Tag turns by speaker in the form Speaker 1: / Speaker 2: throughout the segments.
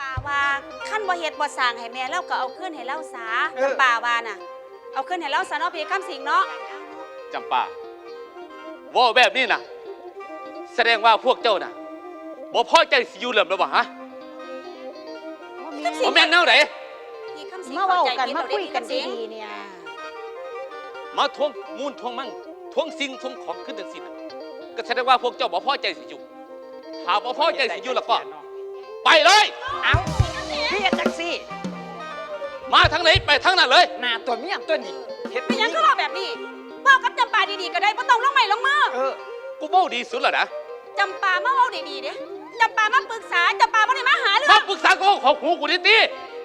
Speaker 1: ปาว่าขั้นบ่เฮ็ดบ่สร้างให้แม่เราก็เอาขึ้นให้เราซาจำปาว่าน่ะเอาขึ้นให้เราซะเนาะพี่คำสิงเนาะ
Speaker 2: จำปาว่าแบบนี้นะแสดงว่าพวกเจ้าน่ะบ่พอใจสิอยู่เหลิมแล้วบ่ฮะบ่แม่นแนวไหน
Speaker 1: พี่คำสิง
Speaker 3: มาเว้ากันมาคุยกันดีๆเนี่ย
Speaker 2: มาทวงมูลทวงมั่งทวงสิ่งทวงของขึ้นจังซี่น่ะก็แสดงว่าพวกเจ้าบ่พอใจสิอยู่ถ้าบ่พอใจสิอยู่แล้วก็ไปเลย
Speaker 3: เอาพี่จักซี่
Speaker 2: มาทางไหนไปทางนั้นเลย
Speaker 3: หน้าตัวเมียตัวนี้เฮ็ด
Speaker 1: เป็นหยังคือว่าแบบนี้เว้ากับจำปาดีๆก็ได้บ่ต้องลงไม้ลงมือ
Speaker 2: กูเว้าดีสุดแล้วนะ
Speaker 1: จำปามาเว้าดีๆเด้จำปามาปรึกษาจำปาบ่ได้มาหาเรื่อง
Speaker 2: มาปรึกษากูของหูกูติ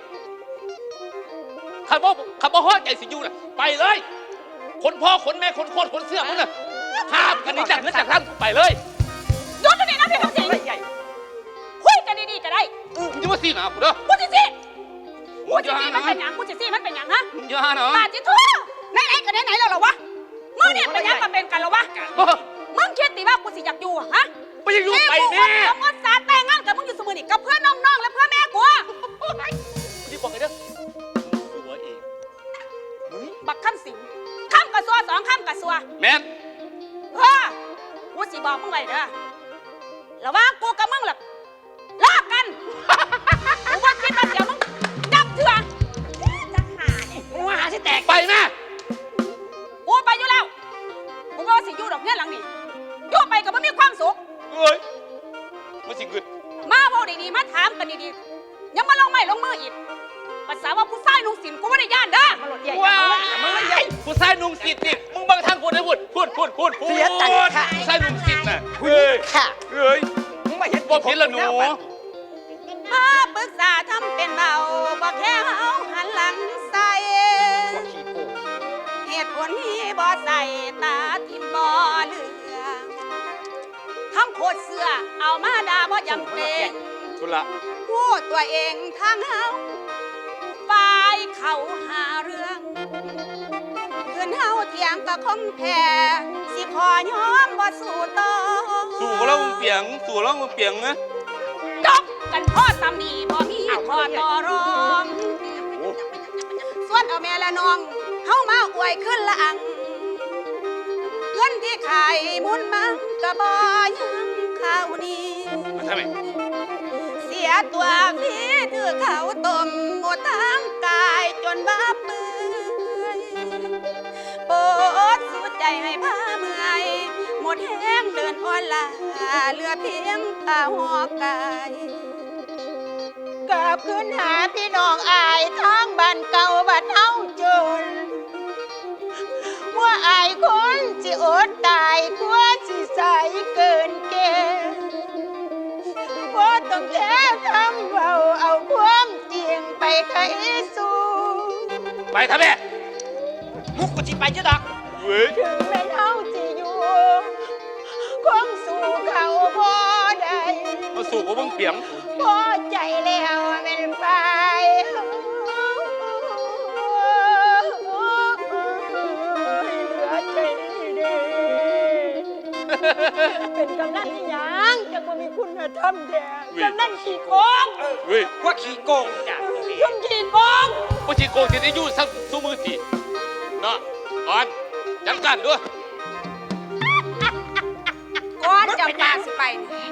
Speaker 2: ขันบ่พอใจสิอยู่น่ะไปเลยคนพ่อคนแม่คนโคตรคนเสื้อมึงน่ะห้ามกันนี่จากนั้นจากท่านไปเลย
Speaker 1: หยุดตรงนี้นะพี่คำสิงคุยกันดีๆก็ได้
Speaker 2: มึงจะมาซีหนากูเด้อ
Speaker 1: กูสิมันเป็นหยังกูสิมันเป็นหยังฮะ
Speaker 2: อย่าเนาะ
Speaker 1: ปาจิทั่วไหนๆก็ไหนๆแล้วเหรอวะมึงเนี่ยเป็นหยังก็เป็นกันแล้ววะมึงคิดติว่ากูสิอยากอยู่ฮะ
Speaker 2: ไปอยู่ไปแม่
Speaker 1: ผมก็สาแต่งงานกับมึงอยู่เสมอนี่กับเพื่อนน้องๆและเพื่อนแม่กู
Speaker 2: ที่บอกไงเด้อหัวเอง
Speaker 1: บักคำสิงคำกระซัว2คำกระซัว
Speaker 2: แม่น
Speaker 1: กูสิบอกมึงไว้เด้อระวังกูกับมึงหรอกลากกันกูว่าคิดว่าเดี๋ยวมึงดับเถื่อนจะหาเนี่ย
Speaker 3: กูหาสิแตก
Speaker 2: ไปแม่
Speaker 1: กูไปอยู่แล้วกูว่าสิอยู่ดอกเนี่ยหลังนี่อยู่ไปกับมึงมีความสุข
Speaker 2: เอ้ยมันสิเกิด
Speaker 1: มาบอกดีๆมาถามกันดีๆยังมาลงไม้ลงมืออีกภาษาว่าผู้ชายนุ่งสินกูไม่ได้ย่านเด้อ
Speaker 2: ว้ายผู้ชายนุ่งสินนี่มึงบังทางพูดได้พูด
Speaker 3: เสียตังค่ะ
Speaker 2: ผู้ชายนุ่งสินน่ะเฮ้ย
Speaker 3: มึงมาเห็น
Speaker 2: บ่ผิดละหนู
Speaker 1: มาปรึกษาทำเป็นเบาบอกแค่เฮาหันหลังใส่เหตุผลนี้บ่ใส่ตาทิมบ่เหลือทำโคตรเสือเอามาด่าบ่จำเป็น
Speaker 2: ทุละ
Speaker 1: พูดตัวเองทางเฮาฝ่ายเขาหาเรื่องคืนเฮาเถียงก็คงแพ้สิขอยอมบ่สู้ต่อ
Speaker 2: สู้แล้วมึงเปียงนะ
Speaker 1: จบกันพ่อสามีบ่มีข้อต่อรองส่วนเอาแม่และน้องเฮามาอวยขึ้นละอังเงินที่ขายมุนมังก็บ่ยังข้าวนี้
Speaker 2: ทำไม
Speaker 1: เสียตัวพี่ถือเขาต้มหมดทั้งกายจนบ้าเปื่อยปวดสุดใจให้ผ้าเมื่อยหมดแห้งเดินอ่อนลาเหลือเพียงตาหัวกาย
Speaker 3: กลับขึ้นหาพี่น้องอายทั้งบ้านเก่าบ้านเฮาจนว่าอายคนสิอดตายกลัวสิใสเกินเกณฑ์ว่าต้องแท้ทำเอาความจริงไปไขสู้
Speaker 2: ไปทำไม
Speaker 3: มุกกูจิไปจะดอก
Speaker 1: ถึงแม้เฮาสิอยู่คงสู้เขาพอได้
Speaker 2: มาสู้กับมึงเปียง
Speaker 1: พอใจแล้วเป็นไปเป็นกำนันที่ยังจังว่ามีคุณธรรมแท้กำนันขี้โกง
Speaker 3: ว่าขี้โกงจ้ะ
Speaker 1: ยุ่งขี้โกง
Speaker 2: ว่าขี้โกงที่ได้ยู่สักสู้มือตีเนาะก่อนจัดการด้วย
Speaker 1: ก่อนจะมาสิไป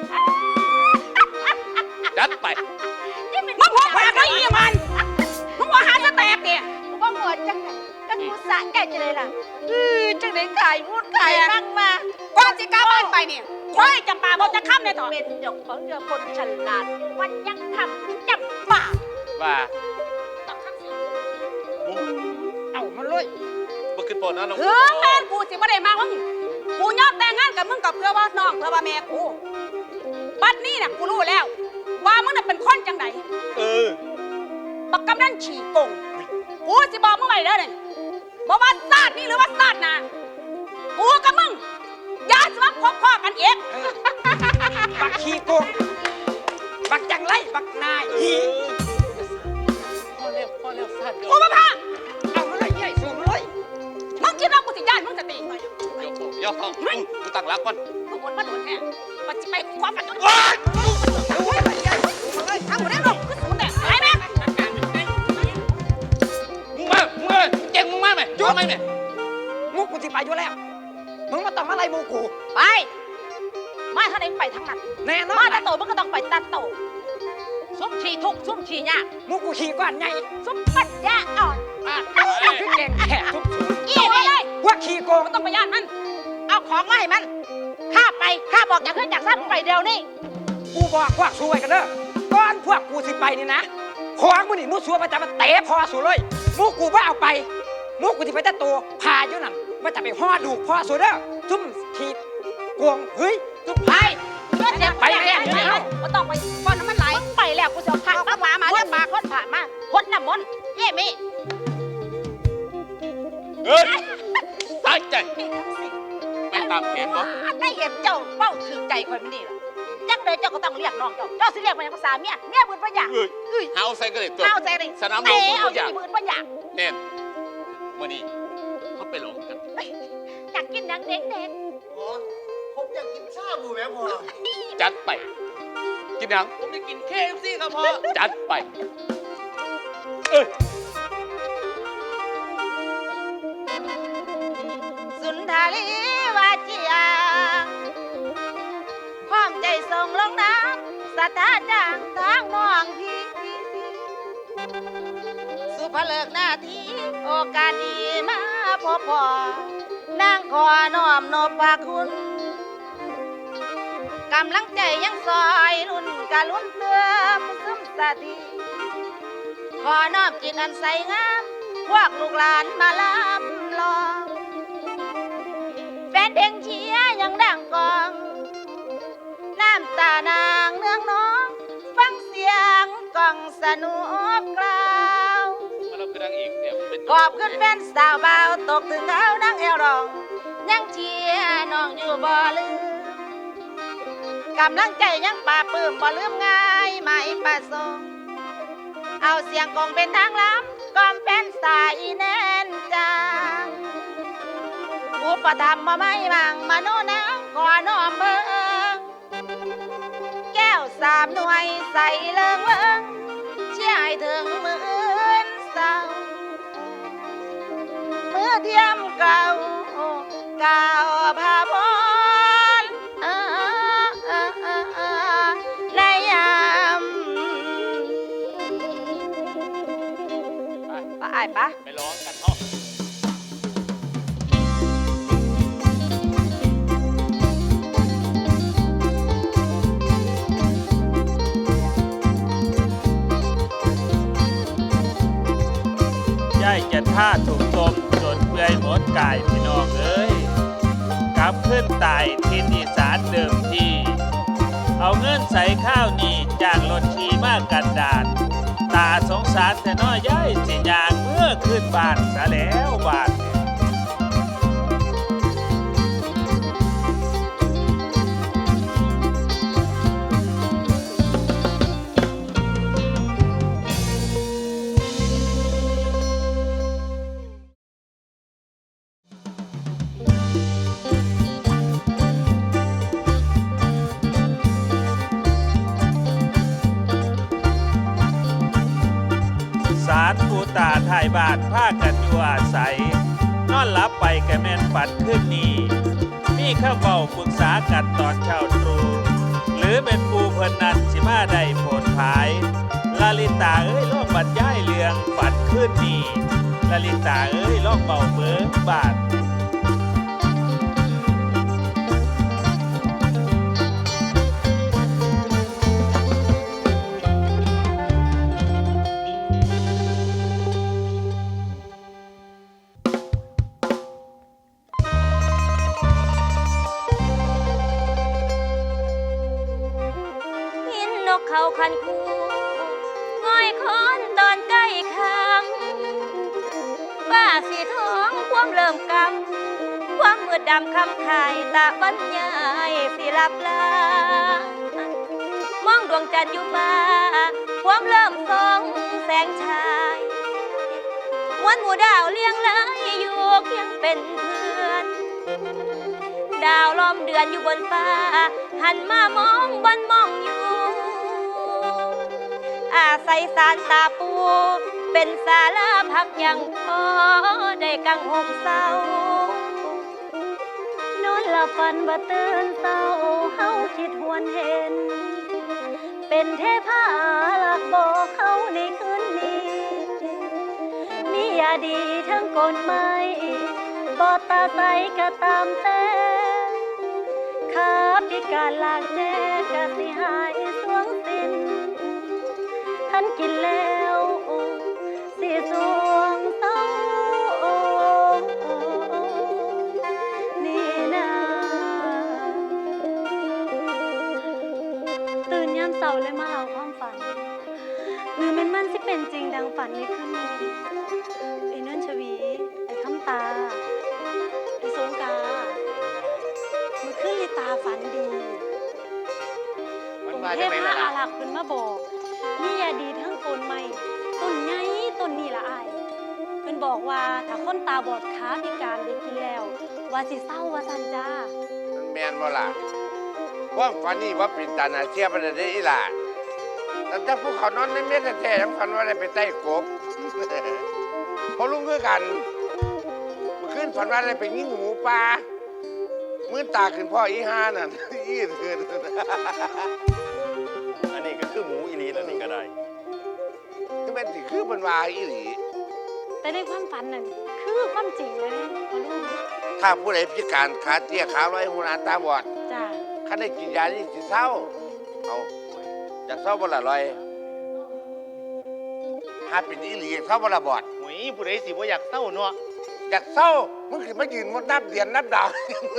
Speaker 2: จัดไป
Speaker 1: มึงหัวแตกไอ้ยี่มันมึงหัวหาจะแตกเนี่ย
Speaker 3: ว่าหัวจังกันกูสะแก่จะเลยล่ะจังไหนขายมุดขายนั่งมา
Speaker 1: ก่อนสิกล้าบ้านไปเนี่ยควายจำปาบอกจะค้ำเนี่ยต่อ
Speaker 3: เป็นดอกของเรือคนฉลาดวันยังทำจำป่า
Speaker 2: ว่า
Speaker 1: ต้องค้ำสิ
Speaker 3: เอามาเลย
Speaker 2: บ่ขึ้นปอนนะน้อง
Speaker 1: แม่กูสิบ่ได้มามึงกูยอมแต่งงานกับมึงกับเพื่อว่าน้องเพื่อว่าแม่กูบัดนี้น่ะกูรู้แล้วว่ามึงน่ะเป็นคนจังไดบักกำนันฉี่โกงกูสิบอกมึงไว้เด้อเนี่ยบอกว่าศาสตร์นี่หรือว่าศาสตร์นะกูกับมึงอย่าสมัครพบพ่อกันเอง
Speaker 3: บักขี้โกงบักจังไรบักนาย
Speaker 2: พ่อเร็วศาสตร์
Speaker 1: กูมาพา
Speaker 3: เอามาเลยใหญ่สูงเลย
Speaker 1: มึงคิดว่ากูสิญาติมึงจะตี
Speaker 2: ย่อท้องกูตั้งรักก่อน
Speaker 1: มึงอดมาโดนแน่มันจะไปความฝันจน
Speaker 3: โอ้ย
Speaker 1: ทำหมดได้หรอกกูสูงแต่
Speaker 4: ต้องมาไล่หมูกู
Speaker 1: ไปมาทางไหนไปทางนั้น
Speaker 4: แน่นอ
Speaker 1: มาน ตัดโตมันก็ต้องไปตัดโตซุ่มฉีทุกซุ่มฉียาก
Speaker 4: หมูกูขี่ก้อนใหญ่
Speaker 1: ซุ่มปัญญาอ่อน
Speaker 4: คือแกงแขกทุก
Speaker 1: อีนี่เลย
Speaker 4: พวกขี่โกง
Speaker 1: มันต้องไปย่านมัน เอาของมาให้มันข้าไปข้าบอกจากเพื่อนจากซ่านไปเดี๋ยวนี้
Speaker 4: กูบอกพวกสู้ไว้กันเด้อก่อนพวกกูสิไปนี่นะของมึงนี่มูสัวมันจะมาเตะพอสู้เลยหมูกูว่าเอาไปหมูกูที่ไปแต่ตัวพาอยู่นั่นมันจะไปห่อดูกพอสู้เด้อซุ่มขี่โกงเฮ้ยซุ่ม
Speaker 1: ไปเพื่อนเนี่ย
Speaker 4: ไปแล้ว
Speaker 1: ไปแล้วมันต้องไปก่อนน้ำมันไหลไปแล้วกูจะเอาผักมาเรียกปลาค้นผ่านมาพ้นน้ำมนต์เย่มี่
Speaker 2: เฮ้ยตั้งใจไปตามแผนบ่
Speaker 1: ได้เห็นเจ้าเป้าถือใจคอยไม่ดีหรอจังเลยเจ้าก็ต้องเรียกน้องเจ้าสิเรียกมาอย่างภาษาเมียบืนปัญญา
Speaker 2: เฮ้ยเอาใส่กระเด็ดตัว
Speaker 1: เอาใจเลย
Speaker 2: สนามล
Speaker 1: เตะ
Speaker 2: ง
Speaker 1: เอา
Speaker 2: ทุก
Speaker 1: ใจ
Speaker 2: อย่าง
Speaker 1: บืนปัญญา
Speaker 2: แน่นมื่อนี้เขาไปหลงกัน
Speaker 1: อยากกินหนังเด็ก
Speaker 5: ผมอยากกินชาบูแม่พอ
Speaker 2: จัดไป กินหยัง
Speaker 5: ผมจะกิน KFC ครับพ่อ
Speaker 2: จัดไป เอ้ย
Speaker 3: สุนทารีวาจียาพร้อมใจส่งลงน้ำสถาจางทางน้องพี่สุภเลิกหน้าที่โอกาสดีมาพบพ่อนางขอน้อมนบพระคุณกำลังใจยังซอยรุ่นกะลุ้นเติมซึมสติขอน้อมจิตอันใสงามพวกลูกหลานมาลำลองแฟนเพลงเชียร์ยังดังกองน้ำตานางเนืองน้องฟังเสียงกล่องสนุกกล่าว
Speaker 2: มาเราคือนางเอกเนี่ยเป็น
Speaker 3: ขอบคุณแฟนสาวเบาตกถึงเขานั่งเอวรอง ยังเชียร์น้องอยู่บ่ลืมกำลังใจยังป่าปื้มบ่ลืมง่ายไม่ประสงค์เอาเสียงกองเป็นทางล้ำกอมแฟนสายแน่นจางอุปธรรมมาไม่บังมโนนางขอน้อมเบิ่งแก้วสามหน่วยใส่เลิงเลิงเชี่ยให้ถึงมืออื่นเศร้า มือเทียมเก่าเก่าพาพรในยามไปปะ
Speaker 2: ไปร้องกันเนาะ
Speaker 6: ย่ายจะท่าถูกต้มจนเปื่อยหมดกายพี่น้องเอ้ยกลับขึ้นตายที่อีสานเดิมทีเอาเงินใส่ข้าวนี่จากรถขี่มากกันดานตาสงสารแต่น้อยย่ายสิยางเมื่อขึ้นบ้านซะแล้วบ้าน สารปูตาถ่ายบาทผ้ากันอยู่อาศัย นอนหลับไปแกแม่นฝันขึ้นนี้มีข้าเบาปรึกษากันตอนเช้าตรู่หรือเป็นปูเพิ่นนั้นสิมาได้โผลผายลาลิตาเอ้ยลองบรรยายเรื่องฝันขึ้นนี้ลาลิตาเอ้ยลองเบาเบิกบาท
Speaker 7: หินนกเขาคันคูง่อยคอนตอนใกล้คังป้าสีทองความเริ่มกำความมืดดำคำขายตาบรรยายสิลับลามองดวงจันทร์อยู่มาความเริ่มส่องแสงชายวันหมู่ดาวเลี้ยงไหลอยู่เคียงเป็นเพื่อน ดาวล้อมเดือนอยู่บนฟ้าหันมามองบนมองอยู่ อาศัยสารตาปูเป็นศาลาพักยังพอได้กังห่มเศร้านอนละฝันบ่ตื่นเศร้าเฮาคิดหวนเห็น เป็นเทพาลักบอกเขาในคืนนี้ มียาดีทั้งกลไม้บ่ตาใสก็ตามแต่ขาพิการลากแจก็สิหายสวงสิ้นท่านกินแล้วสิสวงเศร้านี่นะตื่นยามเสาร์เลยมาเล่าความฝันหรือมันสิเป็นจริงดังฝันในคืนนี้ไอ้นั่นชวีไอ้คำตาไอ้สงกามันขึ้นลิตาฝันดี
Speaker 5: มันมา
Speaker 7: เท
Speaker 5: จาก
Speaker 7: พ
Speaker 5: ไหน
Speaker 7: มา
Speaker 5: ล่ะ
Speaker 7: อาลักเพิ่นมาบอกนี่ยาดีทั้งต้นใหม่ต้นใหญ่ต้นนี้ละอายเพิ่นบอกว่าถ้าคนตาบอดขาพิการได้กินแล้ว ว่าสิเศร้าว่าซั่นจ้า
Speaker 8: มันแมนบ่ล่ะว่าฝันนี่ว่าเป็นตาหนาเชียประเดี๋ยวอีหล่ะแต่ถ้าพวกเขานอนในเม็ดแท้ๆยังฝันว่าได้ไปใต้กบ พอลุงคือกันเมื่อคืนฝันว่าได้ไปยิงหมูป่ามื่นตาขึ้นพ่ออีห้านั่น อีเถื่อน
Speaker 5: อันนี้ก็คือหมูอีลีแล้วนี่ก็ได้
Speaker 8: คือเป็นสิคือเป็นวายอีหลี
Speaker 7: แต่ในความฝันนั่นคือความจริงเลยนะพ่อลุง
Speaker 8: ถ้าผู้ใดพิการขาเตี้ยขาลอยหูหนาตาบอด
Speaker 7: จ้า
Speaker 8: คันได้กินยานี่สิเศร้าเอาอยากเศร้าบ่ละลอยถ้าเป็นอีหลีเศร้าบ่ละบอด
Speaker 5: หวยผู้ใดสิบ่อยากเศร้าเนาะ
Speaker 8: อยากเศร้ามึงขึ้นมายืนมดนับเดือนนับดาว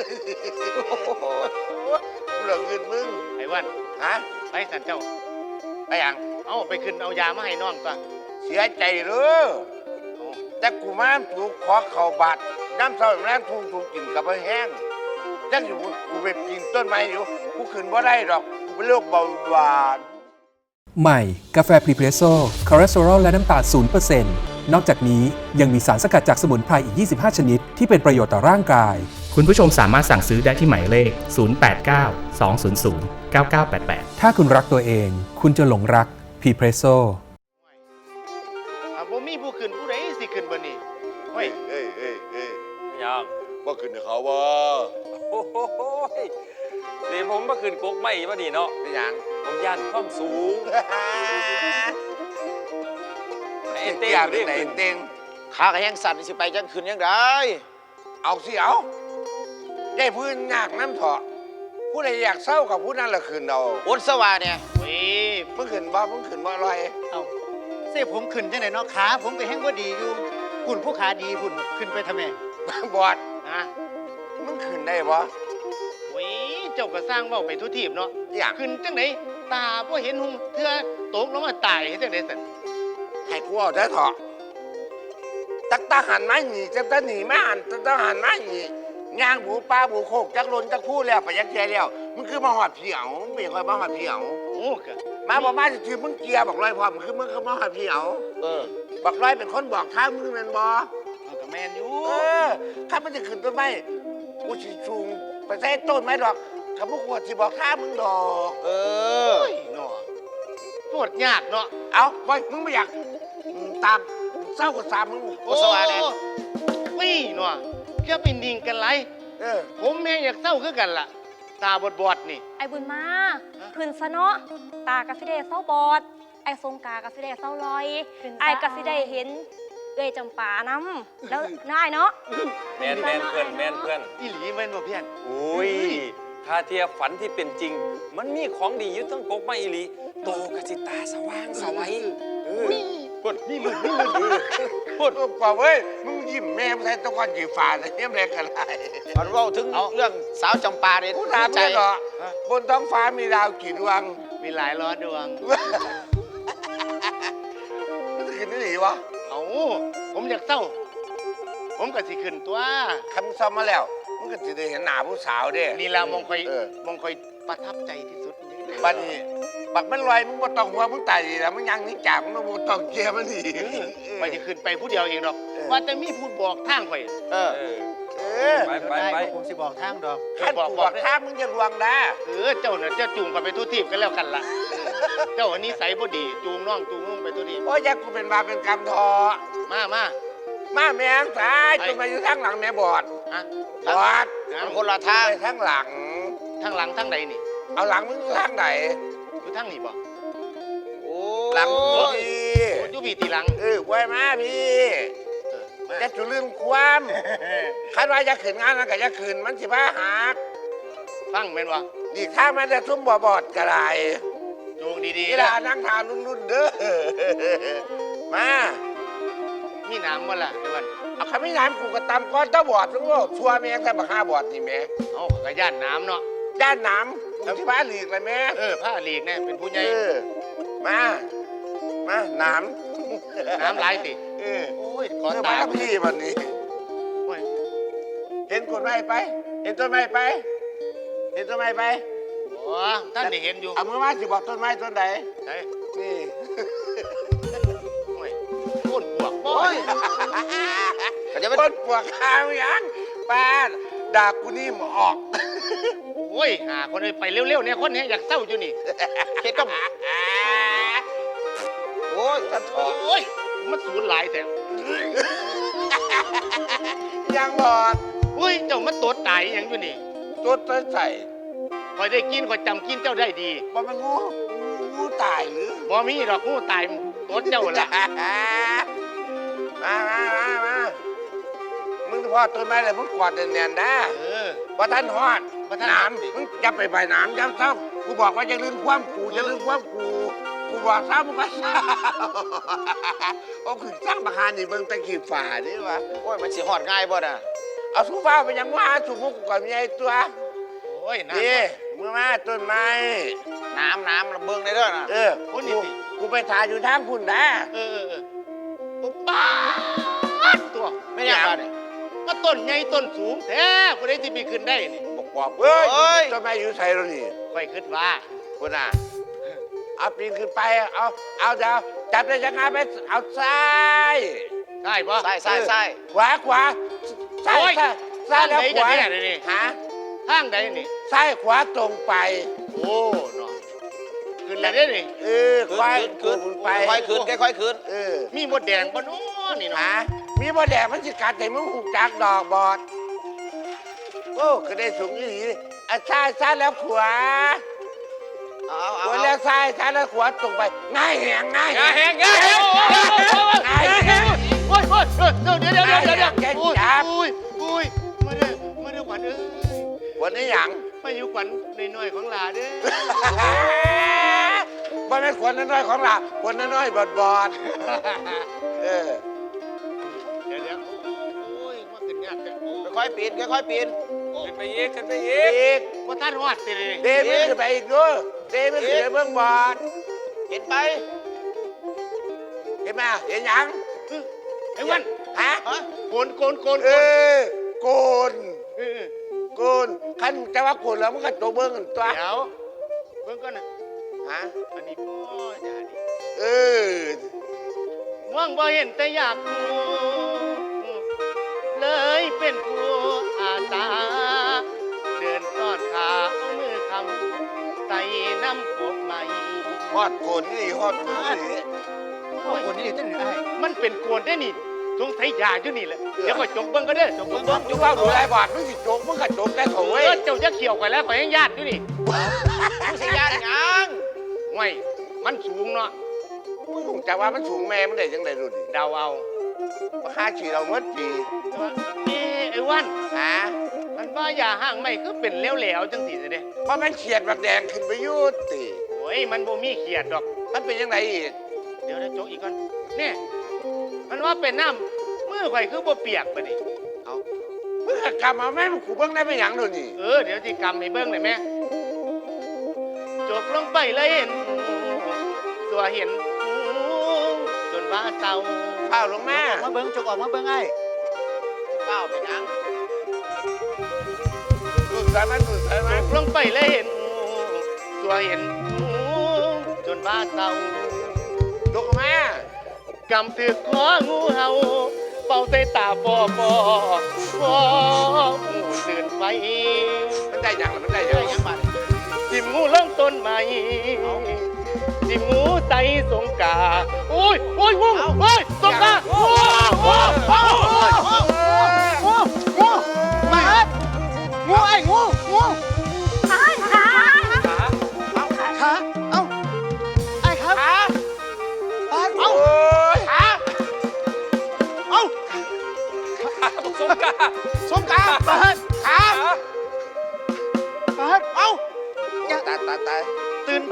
Speaker 8: เหลือเงินมึง
Speaker 5: ไอ้วัน
Speaker 8: ฮะ
Speaker 5: ไปสันเจ้า
Speaker 8: ไปยัง
Speaker 5: เอาไปขึ้นเอายามาให้น้องตัว
Speaker 8: เสียใจเลยแต่กูมาถูกขอเข่าบาดน้ำเศร้าแรงถูกกินกับไปแห้งจังอยู่กูไปกินต้นไม้อยู่กูขึ้นบ่ได้ดอกกูเป็นโรคเบาหวาน
Speaker 9: ใหม่ กาแฟพรีเพรสโซ่คอเลสเตอรอลและน้ำตาล 0% นอกจากนี้ยังมีสารสกัดจากสมุนไพรอีก 25 ชนิด ที่เป็นประโยชน์ต่อร่างกาย
Speaker 10: คุณผู้ชมสามารถสั่งซื้อได้ที่หมายเลข 089 200 9988
Speaker 9: ถ้าคุณรักตัวเอง คุณจะหลงรักพรีเพรสโซ่
Speaker 5: บ่มีผู้ขึ้นผู้ใดสิขึ้นบ่นี่เฮ้ย
Speaker 8: เอ้ย
Speaker 2: ยัง
Speaker 8: ว่าขึ้นเขาว่า
Speaker 2: โอ้โหเดี๋ยวผมมาขึ้นกกไม่มาดีเนาะ
Speaker 8: เป็นหยัง
Speaker 2: ผมย่านความสูงไอ้
Speaker 8: เต้
Speaker 2: เต้
Speaker 8: ง
Speaker 2: เรียก
Speaker 8: ไหน
Speaker 2: ขึ้น
Speaker 8: เต้ง
Speaker 5: ขากระแหงสั่นสิไปจังขึ้นยังได้
Speaker 8: เอาสิเอาได้พื้นยากน้ำเถาะผู้ใดอยากเศร้ากับผู้นั้นละขึ้นเอา
Speaker 5: โอนสว่าเนี่ยเฮ้ย
Speaker 8: มึงขึ้นบ่มึงขึ้นบ่ลอย
Speaker 5: เอาเสียผมขึ้นจังไหนเนาะขาผมก็แห้งบ่ดีอยู่หุ่นผู้ขาดีหุ่นขึ้นไปทำไม
Speaker 8: บอด
Speaker 5: ฮะ
Speaker 8: มึงขึ้นได้บ่
Speaker 5: โอ้ยเจ้าก็สร้างเว้าไปทุกทีบเนาะ
Speaker 8: อยาก
Speaker 5: ขึ้นจังไหนตาบ่เห็นหุ่งเทื่อตกลงมาตายเฮ็ดจังได๋สั่น
Speaker 8: ให้กูเอาได้เถอะตักตาหันไม้หนีจักตาหนีไม่หันตักตาหันไม้หนีย่างบูปลาบูโคกจักลนจักพูดแล้วไปยักแย่แล้วมึงคือมาหอดเผียวไม่ค่อยมาหอดเผียว
Speaker 5: โอ้กะ
Speaker 8: มาบอกมาจะถือมึงเกียร์บอกลอยพร้อมคือมึงคือมาหอดเผียวบอกลอยเป็นคนบอกทางมึงเป็นบอ
Speaker 5: เอาก็แม่นอยู่
Speaker 8: ข้ามันจะขึ้นต้นไม้กูสิชูงไปใส่ต้นไม้ดอกข้าพวกกูสิบอกทางมึงดอก
Speaker 5: โอ้ยเนาะปวดยากเนาะ
Speaker 8: เอาไว้มึงไม่อยากตามเศร้ากับสามมึง
Speaker 5: โอ้สว่าแน่วี่เนาะแค่เป็นดิ่งกันไร ผมแม่งอยากเศร้าคือกันล่ะ ตาบอดๆนี่
Speaker 7: ไอ้บุญมาขึ้นซะเนาะตากะสิได้เศร้าบอด ไอ้สงกากะสิได้เศร้าลอย ไอ้กะสิได้เห็นเอ้ยจำปาน้ำแล้วน่ายเนาะ
Speaker 2: แมนเพื่อนแมนเพื่อน
Speaker 5: อีหลีแม่นบ่เพี้ยน
Speaker 2: โอ้ยถ้าเทียบฝันที่เป็นจริง มันมีของดีอยู่ทั้งกกไม่อีหลีโตกะสิตาสว่างสวัยพูดนี่มึง
Speaker 8: พูดกว่าเว้ยมึงยิ้มแม่ไม่ใช่ตะกอนจีฟ้าแต่เนี่ยแม่กันไร
Speaker 5: มันเว้าถึงเรื่องสาวจำปาเนี่ย
Speaker 8: กูถามเลยเหรอบนท้องฟ้ามีดาวกี่ดวง
Speaker 5: มีหลายร้อยดวง
Speaker 8: มันจะขึ้นได้หรือวะ
Speaker 5: เอาผมอยากเศร้า ผมก็สิขึ้นตัว
Speaker 8: คำซ้อมมาแล้วมึงก็จะได้เห็นหน้าผู้สาวเด้
Speaker 5: นี่ละมองคอย
Speaker 8: เออ
Speaker 5: มองคอยประทับใจที่สุดนี่
Speaker 8: บัดนี้บักมันลอยมึงบ่ต้องหัวมึงตายดีแล้วมึงยังนี่จากมึงบ่ต้องเกียร์มันหนี
Speaker 5: ไปจะขึ้นไปผู้เดียวเองดอก ว่าแต่มีพูดบอกทางข่อย
Speaker 8: เออ
Speaker 2: ไป
Speaker 5: ผมสิบอกทางดอก
Speaker 8: ขั้นกูบอกข้ามมึงจะลวงนะ
Speaker 5: เจ้าเนี่ยจะจูงกันไปทุกทีบกันแล้วกันล่ะ เจ้าอันนี้ใส่บ่ดี จูงน้องจูงนุ่งไปทุกทีบ
Speaker 8: โอ้ยอยากกูเป็นบาปเป็นกรรมทอ
Speaker 5: มา
Speaker 8: มาแม่งสายจนมาอยู่ข้างหลังแม่บอด
Speaker 5: ฮะ
Speaker 8: บอด
Speaker 5: มัน
Speaker 8: คนละทางไปทางหลัง
Speaker 5: ทางหลังทางใดนี่
Speaker 8: เอาหลังมึงทางไหน
Speaker 5: อยู่ทางนี่บ่
Speaker 8: โอ้หลังมึงดี
Speaker 5: อยู่พี่ตีหลัง
Speaker 8: ไว้มาพี่
Speaker 5: มา
Speaker 8: จะจุลืมความคาดว่าจะขืนงานนั้นก็จะขืนมันสิบ้าหัก
Speaker 5: ฟังแม่นบ่
Speaker 8: ดีข้างมันจะซุ่มบ่บอดกระไร
Speaker 5: จูงดี
Speaker 8: นี่
Speaker 5: ๆ
Speaker 8: ล่ะ
Speaker 5: นะ
Speaker 8: นั่งทานรุ่นๆเด้อมา
Speaker 5: มีน้ำบ่ล่ะไอ้วัน
Speaker 8: เอาคำไม่น้ำกูก็ตำก้อนเต้าบอดรู้ว่าชัวแม่งแต่บักห้าบอดนี่แม่
Speaker 5: เอากระย่านน้ำเนาะ
Speaker 8: ด้านน้ำกูที่บ้านหลีกเลยแม่
Speaker 5: ผ้าหลีกเนี่ยเป็นผู้ใหญ่
Speaker 8: มาน้ำ
Speaker 5: น้ำไหลสิ
Speaker 8: เออ
Speaker 5: โอ้ยขอ
Speaker 8: เออ
Speaker 5: ตา
Speaker 8: มากับพี่วันนี้
Speaker 5: โอ้ย
Speaker 8: เห็นคนไม้ไป เห็นต้นไม้ไป เห็นต้นไม้ไป
Speaker 5: โอ้ท่านได้เห็นอยู่
Speaker 8: เอามือมาสิบอกต้นไม้ต้นไหน
Speaker 5: ใช่
Speaker 8: นี่
Speaker 5: โอ้ยต้นปวกบ่
Speaker 8: โอ้
Speaker 5: ย
Speaker 8: ยคนปวดขาวยังป้าด่ากูนี่หมออก
Speaker 5: โอ้ยหาคนไปเร็วๆเนี่ยคนนี้อยากเศร้าอยู่นี่เฮ็ดกับ
Speaker 8: โอ้ยตะทอ
Speaker 5: โอ้ยมันสูญหลายแต่
Speaker 8: ยังบอด
Speaker 5: โอ้ยเจ้ามันตัวตายอหย่างอยู่นี่
Speaker 8: ตัวต้นใส่
Speaker 5: คอยได้กินคอยจำกินเจ้าได้ดี
Speaker 8: บ่มันงูตายหรือ
Speaker 5: บ่มีดอกงูตายตัวเจ้าละ
Speaker 8: มามึงพอดต้นไม้เลยมึงกอดแน่นๆนะ ว่าท่านฮอด
Speaker 5: ว่าท่าน
Speaker 8: น้ำมึงจะไปใบน้ำย้ำซ้ำกูบอกว่าจะลืมความกูจะลืมความกูบอกซ้ำมึงก็ซ้ำโอ้คือสร้างประหารนี่เบิ่งตะกี้ฝ่านี่วะ
Speaker 4: โอ้ยมันสิฮอดง่ายบ่น่ะ
Speaker 8: เอาสู้ฟ้าไปยังว่าสู้มุกก่อนมีไอ้ตัว
Speaker 5: โอ้ยน้
Speaker 8: นี่มึงมาต้นไม้
Speaker 4: น้ำเบิ่งได้เด้อน่ะ
Speaker 8: กูไปถ่ายอยู่ทางคุณนะ
Speaker 5: ำปุ๊บป้าดตัว
Speaker 4: ไม่ยังบ่นี่
Speaker 5: ก็ต้นใหญ่ต้นสูงแท้ผู้ใดที่มีขึ้นได้นี่
Speaker 8: บอกปอบเฮ้ยต้นไม้อยู่ใส่เรานี่
Speaker 5: ค่อยคิดว่า
Speaker 8: คุณน่ะเอาปีนขึ้นไปเอาเดี๋ยวจับได้ยังไงไปเอาซ้าย
Speaker 5: ใช่ปะ
Speaker 4: ใส่
Speaker 8: ขวาซ้ายซ้ายแล้วขวา
Speaker 5: ทางไหนกันเนี่ยนี่
Speaker 8: ฮะ
Speaker 5: ทางใดนี่
Speaker 8: ซ้ายขวาตรงไป
Speaker 5: โอ้เนาะขึ้นแล้วได้นี่
Speaker 8: ขวาขึ้นไป
Speaker 4: ค่อยขึ้น
Speaker 5: มีมดแดงปะเนาะนี่เนาะ
Speaker 8: ฮะมีบ่แดงมันสิกัดแต่มึงหูจักดอกบอดโอ้ก็ได้สูงอีหลีซ้ายแล้วขวา
Speaker 4: เอา
Speaker 8: ขวาแล้วซ้ายแล้วขวาตรงไปง่ายแหง
Speaker 2: อย่าแหงอย่าแหง
Speaker 5: โอ้ยเดี๋ยวอุ้ยมาเด้อขวัญเอ้ย
Speaker 8: วันนี้หยัง
Speaker 5: มาอยู่ขวัญน้อยๆของหลาเด้อ
Speaker 8: บ่แม่นขวดน้อยๆของเราขวดน้อยๆบอดเออ
Speaker 5: เดี๋ยวโอ้ยมาขึ้นยากแต่โอ้
Speaker 4: ค่อยๆปีน
Speaker 2: ขึ้นไปอีกขึ้นไปอีก
Speaker 8: อีก
Speaker 5: ว่าท่านฮอดสิเลย
Speaker 8: เดมึงขึ้นไปอีกด้วยเดมึงขึ้นไปเบื้องบอด
Speaker 4: เห็นไป
Speaker 8: เห็นไหมเห็นหยัง
Speaker 5: ไอ้วัน
Speaker 8: ฮะ
Speaker 5: โกน
Speaker 8: โกนขันจะว่าโกนแล้วมันก็ตัวเบิ้งกันตัว
Speaker 5: เดี๋ยวเบิ่งก่อนนะ
Speaker 8: ฮะ
Speaker 5: อันนี้พ่อย่าดิ
Speaker 8: เออ
Speaker 5: ว่างบ่เห็นแต่อยากกูเลยเป็นผู้อาสาเดินต้อนขาเอามือคำใส่น้ำกบใหม่
Speaker 8: ฮอดโกนนี่ฮอดโกนนี่
Speaker 5: โกนนี่ตั้งไหนมันเป็นโกนได้นี่สงสัยยาอยู่นี่แหละเดี๋ยวก็จกเบิ่งก็ได้จกเบิ่ง
Speaker 8: จุกเป้าดูแลบอดมึงสิโจกมึงก็โจกได้เขาเว้ย
Speaker 5: เจ้าจะเขี่ยวกันแล้วข่อยยังญาติอยู่นี่
Speaker 4: ผู้สิญาติหยัง
Speaker 5: ห่วยมันสูงเนาะ
Speaker 8: มึงจะว่ามันสูงแม่มันได้ยังไงดูดิ
Speaker 5: เดาเอา
Speaker 8: ราคาฉีดเราเมื่อปี
Speaker 5: แต่ว่าไอ้วัน
Speaker 8: ฮะ
Speaker 5: มันว่าอย่าห่างไม่คือเป็นเหลวๆจังสิเด้
Speaker 8: เพราะมันเฉียดแบบแดงขึ้นไปยุติ
Speaker 5: โอ้ยมันบ่มีเขียดดอก
Speaker 8: มันเป็นยังไงอีก
Speaker 5: เดี๋ยวโจกอีกก่อนนี่มันว่าเป็นน้ำมือข่อยคือบ่เปียกปะนี่
Speaker 8: มึงกลับมาแม่มึงขู่เบิ้งได้ไม่หยังดูนี่
Speaker 5: เดี๋ยวสิกำให้เบิ่งได้แม่จกลงไปเลยเห็นตัวเห็นจนว่าเศร้า
Speaker 8: ข้าวลงแม่
Speaker 4: มาเบิ่งจกออกมาเบิ่งไอ้เป้าเป็นหยัง
Speaker 8: ดูดใส่มัน
Speaker 5: จกลงไปเลยเห็นตัวเห็นจนว่าเศร้า
Speaker 8: ดูกแม่
Speaker 5: กำถือของูเห่าเป่าใส่ตาปอตื่นไป
Speaker 8: มันได้หยังมันได้หยัง
Speaker 4: บัด
Speaker 5: จิ้มงูเริ่มต้นใหม่จิ้มงูใส่สงกาโอ้ยงูเฮ้ยสงกาโอ้ย
Speaker 4: มา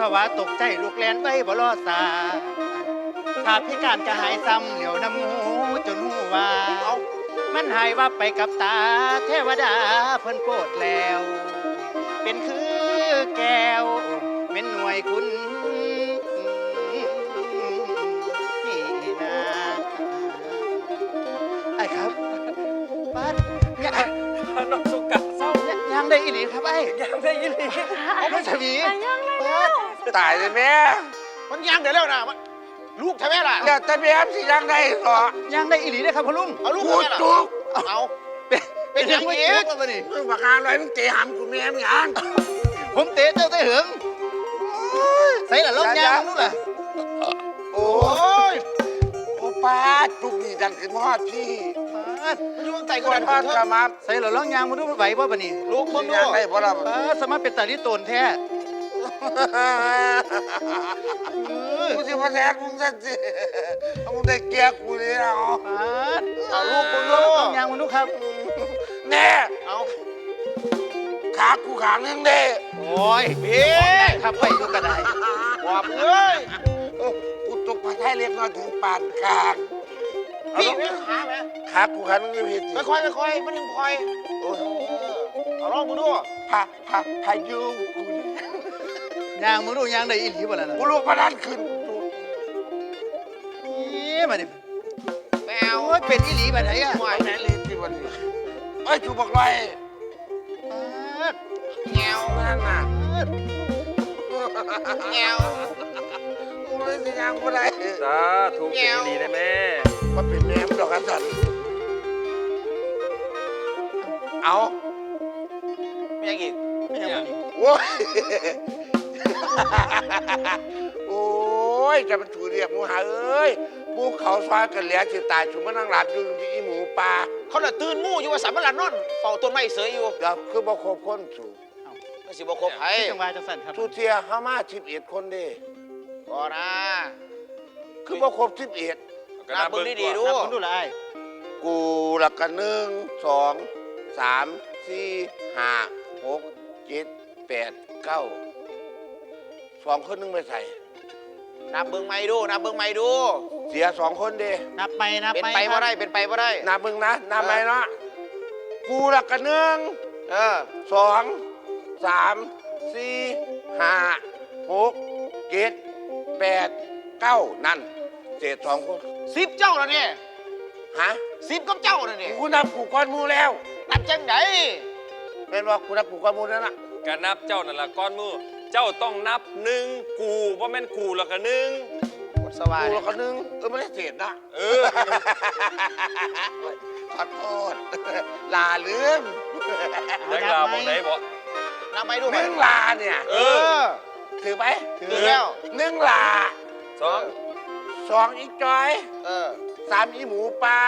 Speaker 5: าวะตกใจลูกแลนไว้บ่รอดสาถ้าพิการก็หายซ้ำเหลียวน้ำงูจนหูว่ามันหายว่าไปกับตาเทวดาเพิ่นโปรดแล้ว เป็นคือแก้วเป็นหน่วยคุณนี่นะไอ้ครับบ้านเนี่ย
Speaker 6: น้องสุกะเศร้า
Speaker 5: ยังได้อีหลีครับไอ้
Speaker 6: ยังได้ยินเลย
Speaker 5: เอาไปสวี
Speaker 8: ตายเลยแม่
Speaker 5: มันยังเดี๋ยวแล้วนะมันลูกใช่ไหมล่ะ
Speaker 8: เดี๋ยวแต่แม่สิยังได้หรอ
Speaker 5: ยังได้อีหลีได้ครับพ่อลุงเอาลูก
Speaker 8: กู
Speaker 5: ใช่ไหมล่ะ
Speaker 8: จุก
Speaker 5: เอาเป็นยังไงอีกวะนี่
Speaker 8: มึงประการอะไรมึงเตะหำกูแม่มึงยัง
Speaker 5: ผมเตะเจ้าเตะเหิงใส่ละลงยางนู่นล่ะ
Speaker 8: โอ้ยโอ้ป้าจุกนี่ดันขึ้นมอดพี่
Speaker 5: มันอยู่ข้างใต้
Speaker 8: ก
Speaker 5: กู
Speaker 8: ด
Speaker 5: ดัน
Speaker 8: ทอดกระมับ
Speaker 5: ใส่ละลงยางมันดูมันไหวป่ะปะนี่ลูกมึงดู
Speaker 8: ยังได้บ่ล่ะ
Speaker 5: สามารถเป็นตาลิโตนแท้
Speaker 8: กูสิมาแทนมึงซะสิเอามึงได้เกียร์กูเลยเอา
Speaker 5: เอาลูกมึงดูลงยางมันดูครับ
Speaker 8: แน่
Speaker 5: เอา
Speaker 8: ขากูขางนึงเด้
Speaker 5: โอ้ยเบ้ครับไปดูกระไดว่าเอ้ย
Speaker 8: กูตกปลาไทยเล็กน้อยถึงปานกลาง
Speaker 5: พี่ไม่ขาไหม
Speaker 8: ขากูขางนึงอยู่ผิด
Speaker 5: ไม่ค่อยมันยังคอย
Speaker 8: โอ้ย
Speaker 5: เอาลองมึงดู
Speaker 8: พายุกูนี่
Speaker 5: ยางมึงดูยางได้อีหลีบ่ล่ะนะ
Speaker 8: กูลูกมาดันขึ้น
Speaker 5: นี่มาดิแมวเป็นอีหลีแบบไหนอะ
Speaker 8: หวายแม่ลีที่วันนี้เอ้ยจูบอกลอย
Speaker 5: แงว
Speaker 8: นั่นน่ะ
Speaker 5: แงว
Speaker 8: กูเลยสิยังกูได้
Speaker 6: สาธุเป็นดีได้แม่
Speaker 8: มาเป็นแหนมดอกกันสันเอา
Speaker 5: ไม่ยังอีกไม่ยังอีก
Speaker 8: โอ้ยโอ้ยจะเป็นถูเรียบหมูหาเอ้ยหมูเขาซอยกันแล้วสิตายชุมมานั่งหลับอยู่ที่อีหมูปลา
Speaker 5: เขาน่ะตื่นมู่อยู่ว่าสามหลันนอนเฝ้าต้นไม้เสยอยู่
Speaker 8: เดี๋ยวคือบ่ครบคนสูง
Speaker 5: ไม่สิบ่ครบไผจังหวะจังสั่นครับ
Speaker 8: ทุเทียห้ามา11คนเด้
Speaker 5: บ่นะ
Speaker 8: คือบ่ครบ11
Speaker 5: นับเบิ่งดีๆดูนับเบิ่งดูละไอ้
Speaker 8: กูละกัน1 2 3 4 5 6 7 8 9 2 คนนึงไม่ใส่
Speaker 5: นับเบิ่งใหม่ดูนับเบิ่งใหม่ดู
Speaker 8: เสีย2 คนเด้
Speaker 5: นับไปเป็นไปบ่ได้เป็นไปบ่ได้
Speaker 8: นับมึงนะนับไปเนาะกูละกัน1 2 3 4 5 6 7 8 9นั่นเศษ2 คน
Speaker 5: 10เจ้าแล้วเนี่ย
Speaker 8: ฮะ
Speaker 5: 10กับเจ้าแล้วเนี่ย
Speaker 8: กูนับกูก้อนหมูแล้ว
Speaker 5: นับจังได
Speaker 8: เป็นว่ากูนับกูก้อนหมูแล้วนะ
Speaker 6: ก็นับเจ้านั่นละก้อนมือเจ้าต้องนับหนึ่งกูว่าแม่นกูแล้วก็หนึ่ง
Speaker 5: กดสว่าง
Speaker 8: กูละกันไม่ได้เศษนะ
Speaker 6: เออ
Speaker 8: ขอโทษลาลืม
Speaker 6: แจ็คลาบอกไหนบอก
Speaker 5: นับไปดู
Speaker 8: 1 ลาเนี่ย
Speaker 6: เออ
Speaker 8: ถือไหม
Speaker 5: ถือแล้ว
Speaker 8: 1 ลา
Speaker 6: สอง
Speaker 8: 2 อีกจอย 3 อีหมูปลา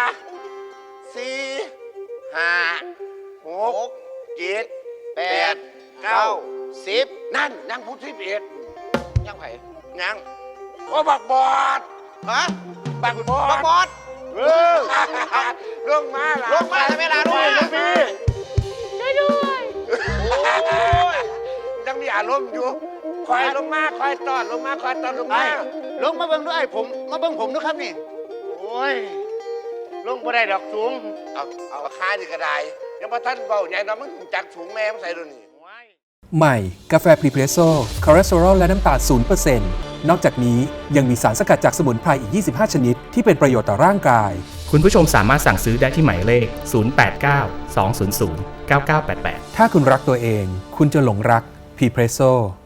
Speaker 8: 4 5 6 7 8 9
Speaker 5: 10
Speaker 8: นั่นยังพูด11
Speaker 5: ยังไผ
Speaker 8: ยังโอ้บักบอด
Speaker 5: ฮะ
Speaker 8: บักบอ
Speaker 5: บัก
Speaker 8: ด
Speaker 5: บอด
Speaker 8: ลงมาล่ะ
Speaker 5: ลงมาแล้วเวลาด้วย
Speaker 8: ลงมี
Speaker 7: ช่วยด้วย
Speaker 5: โอ้ย
Speaker 8: ยังมีอารมณ์อยู่คอยลงมาคอยตอนลงมาคอยตอนลง
Speaker 5: ไอ้
Speaker 8: มา
Speaker 5: ลงมาเบิ่งด้วยผมมาเบิ่งผมด้วยครับนี่
Speaker 8: โอ้ยลงบ่ได้ดอกสูงเอาคาดีกระไดยังพอท่านเบาใหญ่เนาะมึงจักสูงแม่มึงใส่ดูนี่
Speaker 9: ใหม่ กาแฟพรีเพรสโซ่คอเลสเตอรอลและน้ำตาล0%นอกจากนี้ยังมีสารสกัดจากสมุนไพรอีก 25 ชนิด ที่เป็นประโยชน์ต่อร่างกาย
Speaker 10: คุณผู้ชมสามารถสั่งซื้อได้ที่หมายเลข 089 200 9988
Speaker 9: ถ้าคุณรักตัวเอง คุณจะหลงรักพรีเพรสโซ่